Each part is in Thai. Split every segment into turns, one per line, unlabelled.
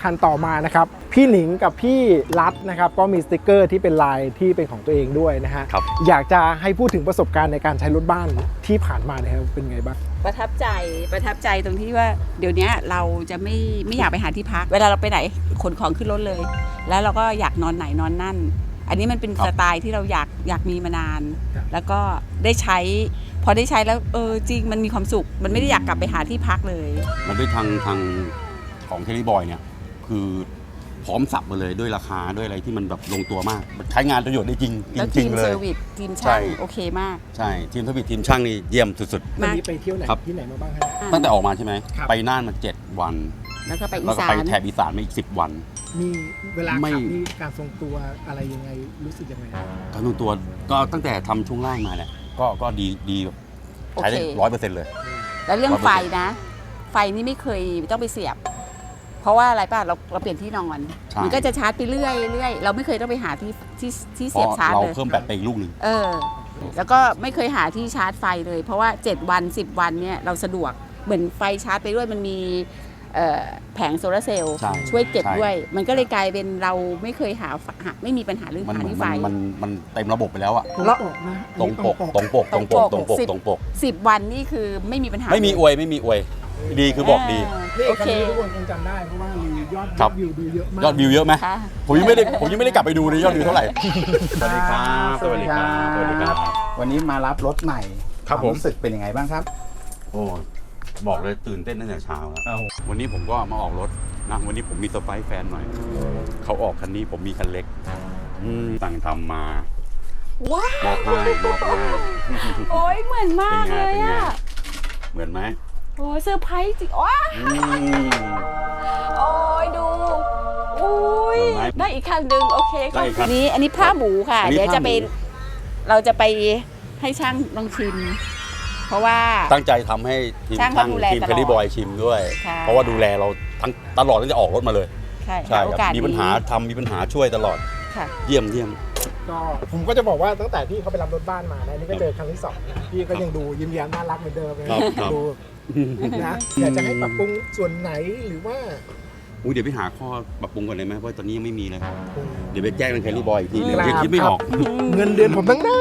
คัญต่อมานะครับพี่หนิงกับพี่รัฐนะครับก็มีสติกเกอร์ที่เป็นลายที่เป็นของตัวเองด้วยนะฮะอยากจะให้พูดถึงประสบการณ์ในการใช้รถบ้านที่ผ่านมาเนี่ยเป็นไงบ้าง
ประทับใจตรงที่ว่าเดี๋ยวนี้เราจะไม่อยากไปหาที่พักเวลาเราไปไหนขนของขึ้นรถเลยแล้วเราก็อยากนอนไหนนอนนั่นอันนี้มันเป็นสไตล์ที่เราอยากมีมานานแล้วก็ได้ใช้พอได้ใช้แล้วจริงมันมีความสุขมันไม่ได้อยากกลับไปหาที่พักเลย
มันด้วยทางของเทลิบอยเนี่ยคือพร้อมสับมาเลยด้วยราคาด้วยอะไรที่มันแบบลงตัวมากใช้งานประโยชน์ได้จริงจริงเลย
ทีมเซอร์วิสทีมช่างโอเคมาก
ใช่ทีมเซอร์วิสทีมช่างนี่เยี่ยมสุด
ๆวันนี้ไปเที่ยวไหนที่ไหนมาบ้างฮะ
ตั้งแต่ออกมาใช่ไหมไปน่านมา7 วัน
แล้วก็ไป
แถบอีสานมาอีก10 วัน
มีเวลาขับมีการทรงตัวอะไรยังไงรู้สึกยังไง
การทรงตัวก็ตั้งแต่ทำช่วงล่างมาเนี่ยก็ดีใช้ได้100%เลย
แล้วเรื่องไฟนะไฟนี่ไม่เคยต้องไปเสียบเพราะว่าอะไรป่ะเราเปลี่ยนที่นอนมันก็จะชาร์จไปเรื่อยเราไม่เคยต้องไปหาที่เสียบชาร์จเลย
เราเพิ่มแบตไปอีกลูกนึง
แล้วก็ไม่เคยหาที่ชาร์จไฟเลยเพราะว่า7 วัน 10 วันเนี่ยเราสะดวกเหมือนไฟชาร์จไปด้วยมันมีแผงโซลาร์เซลล์ช่วยเก็บด้วยมันก็เลยกลายเป็นเราไม่เคยไม่มีปัญหาเรื่องหาที่ไฟ
มันเต็มระบบไปแล้วอะตรงปก
10 วันนี่คือไม่มีปัญหา
ไม่มีอวยดีคือบอกดี
โอเคทุกคนคงจำได้เพราะว่ามียอดวิวดูเยอะมาก
ยอดวิวเยอะไหมผมยังไม่ได้กลับไปดูเลยยอดวิวเท่าไหร่สวัสดีครับ
วันนี้มารับรถใหม่ครับรู้สึกเป็นยังไงบ้างครับ
โอ้บอกเลยตื่นเต้นตั้งแต่เช้าแล้ววันนี้ผมก็มาออกรถนะวันนี้ผมมีเซอร์ไพรส์แฟนหน่อยเขาออกคันนี้ผมมีคันเล็กสั่งทำมา
ว้าว
บอกให้
โอ้ยเหมือนมากเลยอะ
เหมือนไหม
โอ้เซอร์ไพรส์จริงว้าโอ้ยดูอุ้ยได้อีกคันหนึ่งโอเคค่ะอันนี้ผ้าหมูค่ะเดี๋ยวเราจะไปให้ช่างลองชิมเพราะว่า
ตั้งใจทำให้ทีมเทลิบอยชิมด้วยเพราะว่าดูแลเราทั้งตลอดตั้งแต่ออกรถมาเลยใช่มีปัญหามีปัญหาช่วยตลอดเยี่ยม
ก็ผมก็จะบอกว่าตั้งแต่ที่เขาไปรับรถบ้านมานะนี่ก็เจอครั้งที่2พี่ก็ยังดูยิ้มแย้มน่ารักเหมือนเดิมเลยดูนะอยากจะให้ปรับปรุงส่วนไหนหรือว่า
เดี๋ยวไปหาข้อปรับปรุงก่อนเลยไหมเพราะตอนนี้ยังไม่มีเลยเดี๋ยวไปแจ้งทางเทลิบอยอีกทีนึงยังคิดไม่ออก
เงินเดือนผมทั้งนั้น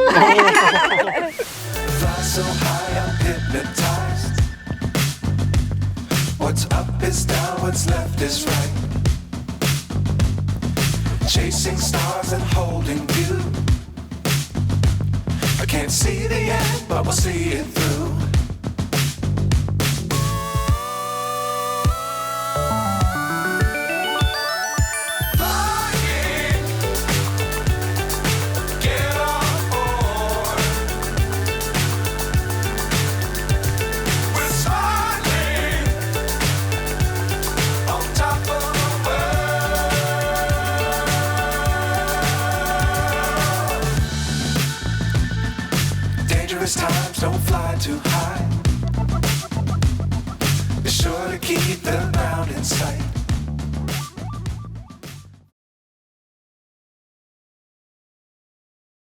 So high I'm hypnotized. What's up is down, what's left is right. Chasing stars and holding you. I can't see the end, but we'll see it through. Times don't fly too high. Be sure to keep the ground in sight.